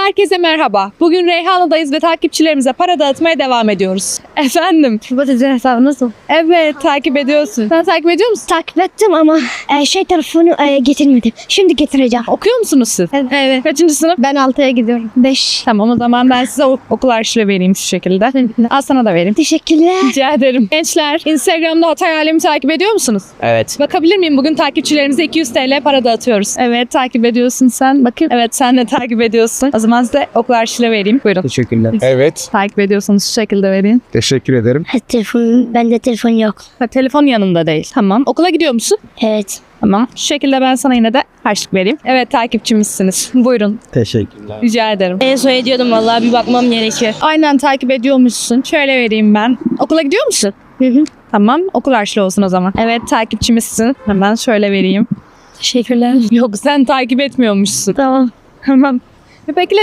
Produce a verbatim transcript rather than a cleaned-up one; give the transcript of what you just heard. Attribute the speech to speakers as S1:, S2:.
S1: Herkese merhaba. Bugün Reyhanlı'dayız ve takipçilerimize para dağıtmaya devam ediyoruz. Efendim?
S2: Bu sizin hesabı nasıl?
S1: Evet, takip ediyorsun. Sen takip ediyor musun?
S2: Takip ettim ama e, şey telefonu e, getirmedim. Şimdi getireceğim.
S1: Okuyor musunuz siz?
S2: Evet.
S1: Kaçıncı sınıf?
S2: Ben altıya gidiyorum. Beş.
S1: Tamam, o zaman ben size ok- okul arşivi vereyim şu şekilde. Al, sana da vereyim.
S2: Teşekkürler.
S1: Rica ederim. Gençler, Instagram'da Hatay Alem'i takip ediyor musunuz?
S3: Evet.
S1: Bakabilir miyim? Bugün takipçilerimize iki yüz TL para dağıtıyoruz. Evet, takip ediyorsun sen. Bakayım. Evet, sen de takip ediyorsun. O zaman size okul arşivi vereyim. Buyurun.
S3: Teşekkürler.
S4: Evet,
S1: Takip ediyorsanız şu şekilde vereyim.
S4: teşekkür ederim.
S2: Ha, telefon, bende telefon yok.
S1: Ha, telefon yanında değil. Tamam. Okula gidiyor musun?
S2: Evet.
S1: Tamam. Şu şekilde ben sana yine de harçlık vereyim. Evet, takipçimizsiniz. Buyurun.
S3: Teşekkürler.
S1: Rica ederim.
S2: En son ediyordum vallahi bir bakmam gerekiyor.
S1: Aynen, takip ediyormuşsun. Şöyle vereyim ben. Okula gidiyor musun?
S2: Hı hı.
S1: Tamam. Okul harçlığı olsun o zaman. Evet, takipçimizsin. Hemen şöyle vereyim.
S2: Teşekkürler.
S1: Yok, sen takip etmiyormuşsun.
S2: Tamam.
S1: Hemen. Bekle.